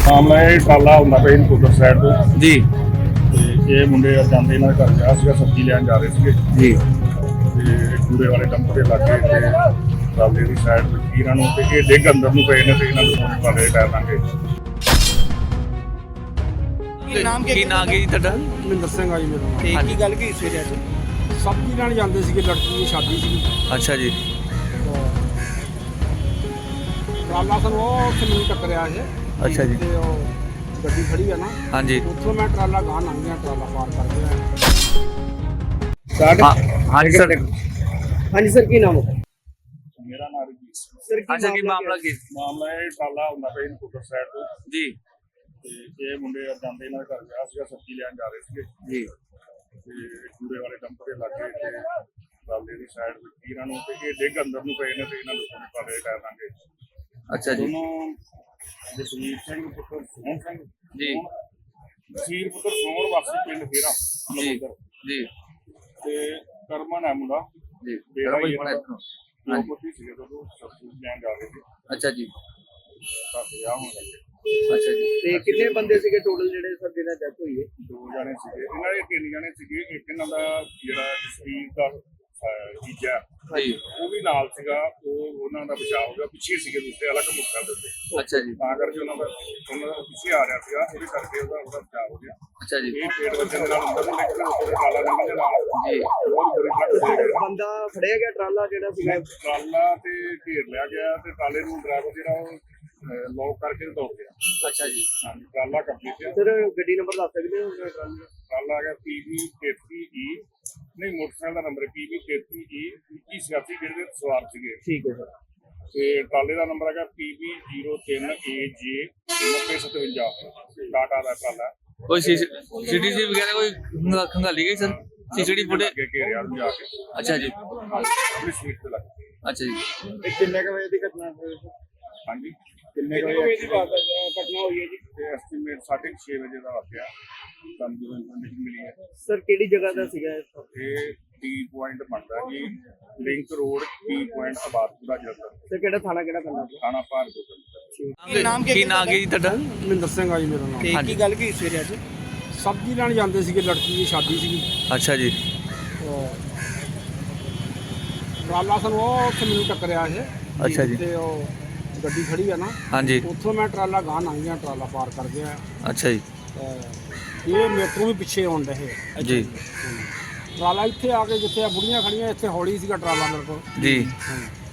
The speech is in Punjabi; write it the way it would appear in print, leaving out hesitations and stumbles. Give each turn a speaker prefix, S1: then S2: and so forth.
S1: ਮਾਮਲਾ ਇਹ ਟਾਲਾ ਹੁੰਦਾ ਪਿਆ ਨਕੋਦਰ ਸਾਈਡ ਤੋਂ
S2: ਜੀ
S1: ਤੇ ਇਹ ਮੁੰਡੇ ਜਾਂਦੇ ਇਹਨਾਂ ਦੇ ਘਰ ਗਿਆ ਸੀਗਾ, ਸਬਜ਼ੀ ਲੈਣ ਜਾ ਰਹੇ ਸੀਗੇ
S2: ਜੀ
S1: ਤੇ ਕੂੜੇ ਵਾਲੇ ਡੰਪ ਦੇ ਲਾਗੇ ਤੇ ਟਾਲੇ ਦੀ ਸਾਈਡ ਤੇ ਇਹਨਾਂ ਨੂੰ ਤੇ ਇਹ ਡਿੱਗ ਅੰਦਰ ਨੂੰ ਪਏ ਨੇ ਤੇ ਇਹਨਾਂ ਨੂੰ ਸੋਨੇ ਵਾਲੇ ਟਾਇਰ ਲਾਂਗੇ।
S2: ਕੀ ਨਾਮ ਕੀ ਜੀ ਤੁਹਾਡਾ?
S3: ਮਹਿੰਦਰ ਸਿੰਘ ਆ ਜੀ ਮੇਰਾ ਨਾਮ।
S2: ਤੇ
S4: ਕੀ ਗੱਲ ਕੀ ਸਵੇਰੇ ਅੱਜ
S3: ਸਬਜ਼ੀ ਲੈਣ ਜਾਂਦੇ ਸੀਗੇ, ਲੜਕੀ ਦੀ ਸ਼ਾਦੀ ਸੀਗੀ।
S2: ਅੱਛਾ ਜੀ
S3: ਟਰਾਲਾ ਸਾਨੂੰ ਉਹ ਉੱਥੇ ਮੈਨੂੰ ਟੱਕਰਿਆ ਇਹ।
S2: ਅੱਛਾ ਜੀ
S3: ਤੇ ਉਹ ਗੱਡੀ ਖੜੀ ਆ ਨਾ,
S2: ਹਾਂਜੀ
S3: ਉੱਥੋਂ ਮੈਂ ਟਰਾਲਾ ਗਾਹ ਲੰਘ ਗਿਆ, ਟਰਾਲਾ ਪਾਰ ਕਰ ਗਿਆ।
S2: ਹਾਂਜੀ ਸਰ
S4: ਹਾਂਜੀ ਸਰ ਕੀ ਨਾਮ ਹੈ
S1: ਮੇਰਾ ਨਾਮ ਰਜੀਤ ਸਿੰਘ।
S4: ਸਰ
S2: ਅੱਛਾ ਕੀ ਮਾਮਲਾ ਕੀ?
S1: ਮਾਮਲਾ ਇਹ ਟਾਲਾ ਹੁੰਦਾ ਪਿਆ ਨਕੋਦਰ ਸਾਈਡ ਤੋਂ
S2: ਜੀ
S1: ਤੇ ਇਹ ਮੁੰਡੇ ਜਾਂਦੇ ਇਹਨਾਂ ਦੇ ਘਰ ਗਿਆ ਸੀਗਾ, ਸਬਜ਼ੀ ਲੈਣ ਜਾ ਰਹੇ ਸੀਗੇ
S2: ਜੀ
S1: ਤੇ ਕੂੜੇ ਵਾਲੇ ਡੰਪ ਦੇ ਲਾਗੇ ਤੇ ਟਾਲੇ ਦੀ ਸਾਈਡ ਤੇ ਇਹਨਾਂ ਨੂੰ ਤੇ ਇਹ ਡਿੱਗ ਅੰਦਰ ਨੂੰ ਪਏ ਨੇ ਤੇ ਇਹਨਾਂ ਨੂੰ ਸੋਨੇ ਵਾਲੇ ਟਾਇਰ ਲਾਂਗੇ।
S2: ਅੱਛਾ ਜੀ
S1: ਦੋਨੋਂ ਜਸਵੀਰ ਸਿੰਘ ਪੁੱਤਰ ਸੋਹਣ ਸਿੰਘ
S2: ਜੀ
S1: ਜਸਵੀਰ ਪੁੱਤਰ ਸੋਹਣ ਵਾਸੀ ਪਿੰਡ ਫੇਰਾ
S2: ਜੀ
S1: ਨਕੋਦਰ
S2: ਜੀ
S1: ਤੇ ਕਰਮਨ ਹੈ ਮੁੰਡਾ
S2: ਜੀ
S1: ਬੇੜਾ ਹੀ
S2: ਬੜਾ
S1: ਇਹਨਾਂ ਦਾ ਲੋਕਤੀ ਸੀਗੇ ਜਦੋਂ ਸਬਜ਼ੀ ਲੈਣ ਜਾ ਰਹੇ ਸੀ
S2: ਅੱਛਾ ਜੀ
S1: ਤਾਂ ਵਿਆਹ ਹੋਣ ਲੱਗੇ।
S2: ਅੱਛਾ ਜੀ
S4: ਤੇ ਕਿੰਨੇ ਬੰਦੇ ਸੀਗੇ ਟੋਟਲ ਜਿਹੜੇ ਸਰ ਜਿਹਨਾਂ ਡੈਥ ਹੋਈ ਹੈ?
S1: ਦੋ ਜਾਣੇ ਸੀਗੇ, ਇਹਨਾਂ ਦੇ ਤਿੰਨ ਜਾਣੇ ਸੀਗੇ। ਇੱਕ ਇਹਨਾਂ ਦਾ ਜਿਹੜਾ ਜਸਵੀਰ ਦਾ ਜੀਜਾ
S2: ਜੀ
S1: ਉਹ ਵੀ ਨਾਲ ਸੀਗਾ, ਉਹ ਉਹਨਾਂ ਦਾ ਬਚਾਅ ਹੋ ਗਿਆ, ਪਿੱਛੇ ਸੀਗੇ ਦੂਸਰੇ ਅਲੱਗ ਮੁੱਖਾਂ ਦੇ ਉੱਤੇ,
S2: ਅੱਛਾ ਜੀ
S1: ਤਾਂ ਕਰਕੇ ਉਹਨਾਂ ਦਾ ਪਿੱਛੇ ਆ ਰਿਹਾ ਸੀਗਾ, ਉਹਦੇ ਕਰਕੇ ਉਹਦਾ ਬਚਾਅ ਹੋ ਗਿਆ।
S2: ਅੱਛਾ ਜੀ
S1: ਇਹ ਪੇੜ ਵੱਜਣ ਦੇ ਨਾਲ ਅੰਦਰ ਨੂੰ ਨਿਕਲਿਆ, ਉਹਦੇ ਕਾਲਾ ਰੰਗ ਦੇ ਨਾਲ
S2: ਜੀ
S1: ਬਹੁਤ ਬੁਰੀ ਲੱਗ ਗਈ।
S4: ਬੰਦਾ ਫੜਿਆ ਗਿਆ ਟਰਾਲਾ ਜਿਹੜਾ ਸੀਗਾ?
S1: ਟਰਾਲਾ ਤੇ ਘੇਰ ਲਿਆ ਗਿਆ ਤੇ ਟਰਾਲੇ ਨੂੰ ਡਰਾਈਵਰ ਜਿਹੜਾ ਉਹ ਲੌਕ ਕਰਕੇ ਦੌੜ ਗਿਆ।
S2: ਅੱਛਾ ਜੀ
S1: ਹਾਂਜੀ ਟਰਾਲਾ ਕੰਪਲੀਟ ਹੈ।
S4: ਸਰ ਗੱਡੀ ਨੰਬਰ ਦੱਸ ਸਕਦੇ ਹੋ ਟਰਾਲੇ ਦਾ?
S1: ਟਰਾਲਾ ਹੈਗਾ PB 33E, ਨਹੀਂ ਮੋਟਰਸਾਈਕਲ ਦਾ ਨੰਬਰ PB 33E 2186 ਜਿਹਦੇ ਵਿੱਚ ਸਵਾਰ ਸੀਗੇ।
S4: ਠੀਕ ਹੈ ਸਰ।
S1: ਤੇ ਟਰਾਲੇ ਦਾ ਨੰਬਰ ਹੈਗਾ PB 03AJ 9057 ਟਾਟਾ ਦਾ ਟਰਾਲਾ।
S2: ਕੋਈ ਸੀਟੀਸੀ ਵਗੈਰਾ ਕੋਈ ਖੰਗਾਲੀ ਗਈ ਸਰ? CCT footage?
S1: ਅੱਗੇ ਘੇਰਿਆ ਨੂੰ ਜਾ ਕੇ
S2: ਅੱਛਾ ਜੀ
S1: ਆਪਣੀ ਸੀਟ ਤੇ ਲੱਗ ਗਏ।
S2: ਅੱਛਾ ਜੀ
S4: ਇਹ ਕਿੰਨੇ ਕ ਵਜੇ ਦੀ ਘਟਨਾ ਹੋਈ?
S1: ਹਾਂਜੀ
S4: ਕਿੰਨੇ ਕ ਵਜੇ ਦੀ ਘਟਨਾ ਹੋਈ ਹੈ ਜੀ?
S1: ਤੇ ਐਸਟੀਮੇਟ 6:30 ਵਜੇ ਦਾ ਵਾਕਿਆ ਸਾਨੂੰ ਜਦੋਂ ਇਨਫੋਰਮੇਸ਼ਨ ਮਿਲੀ ਹੈ।
S4: ਸਰ ਕਿਹੜੀ ਜਗ੍ਹਾ ਦਾ ਸੀਗਾ ਇਹ?
S1: ਇਹ ਟੀ ਪੁਆਇੰਟ ਬਣਦਾ ਜੀ, link road T point Abadpura Jalandhar,
S4: sir ਕਿਹੜਾ ਥਾਣਾ ਕਿਹੜਾ ਪੈਂਦਾ?
S1: ਥਾਣਾ ਭਾਰਗੋ।
S2: ਕੀ ਨਾਮ ਕੀ ਜੀ ਤੁਹਾਡਾ?
S3: ਮਹਿੰਦਰ ਸਿੰਘ ਆ ਜੀ ਮੇਰਾ ਨਾਮ।
S4: ਤੇ ਕੀ ਗੱਲ ਕੀ ਸਵੇਰੇ ਅੱਜ?
S3: ਸਬਜ਼ੀ ਲੈਣ ਜਾਂਦੇ ਸੀਗੇ, ਲੜਕੀ ਦੀ ਸ਼ਾਦੀ ਸੀਗੀ।
S2: ਅੱਛਾ ਜੀ
S3: ਟਰਾਲਾ ਸਾਨੂੰ ਉਹ ਉੱਥੇ ਮੈਨੂੰ ਟੱਕਰਿਆ ਇਹ।
S2: ਅੱਛਾ ਜੀ
S3: ਤੇ ਉਹ ਗੱਡੀ ਖੜੀ ਆ ਨਾ,
S2: ਹਾਂਜੀ
S3: ਉੱਥੋਂ ਮੈਂ ਟਰਾਲਾ ਗਾਹ ਲੰਘ ਗਿਆ, ਟਰਾਲਾ ਪਾਰ ਕਰ ਗਿਆ।
S2: ਅੱਛਾ ਜੀ
S3: ਇਹ ਮੇਰੇ ਤੋਂ ਵੀ ਪਿੱਛੇ ਆਉਣ ਰਹੇ।
S2: ਜੀ
S3: ਟਰਾਲਾ ਇੱਥੇ ਆ ਕੇ ਜਿੱਥੇ ਆ ਬੁੜੀਆਂ ਖੜੀਆਂ, ਇੱਥੇ ਹੌਲੀ ਸੀਗਾ ਟਰਾਲਾ ਮੇਰੇ ਕੋਲ।
S2: ਜੀ
S3: ਹਾਂ।